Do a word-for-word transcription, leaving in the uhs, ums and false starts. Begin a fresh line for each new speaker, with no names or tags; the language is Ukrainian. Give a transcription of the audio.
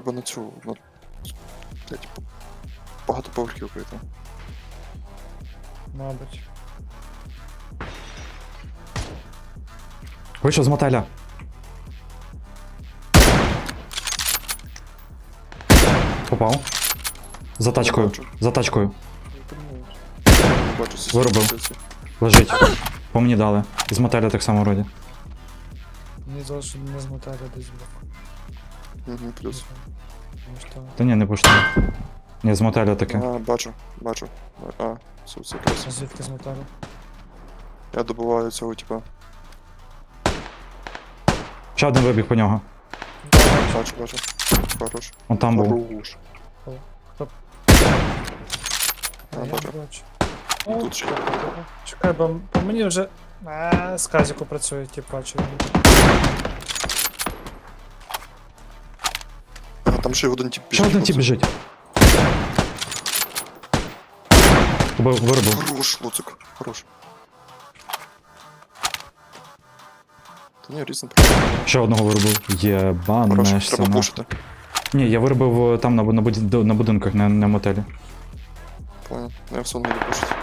треба на цю, на... Блять, багатоповерхівку йти.
Мабуть.
Вийшов з мотеля. Попав. За тачкою.
бачу.
За тачкою.
Не бачу, сусід
Виробив.
позиції.
Лежить. По мені дали. З мотеля так само вроді.
Мені здалося, що не змотали десь збоку.
Угу, плюс.
Тому що...
Та ні, не пошли. Ні, з мотеля таке.
А, бачу, бачу. А, сус якраз.
А звідки змотали?
Я добиваю цього, типа.
Ще один вибіг по нього.
Бачу, бачу. Хорош.
Он там був.
Хорош.
Стоп.
А,
Я
бачу.
бачу.
Тут ще.
Чекай, бо по мені вже... А, з казіку працює, ті бачу.
А, там ще один тип
Ще один тип біжить. Убив, виробив.
Хорош, Луцик. Хорош. Та ні, різно працює.
Ще одного виробив.
Хорош.
Єбанешся
Треба
на.
пушити.
Ні, я виробив там на, на, буді- на будинках, на, на мотелі.
Понял. Ну, я все одно буду пушити.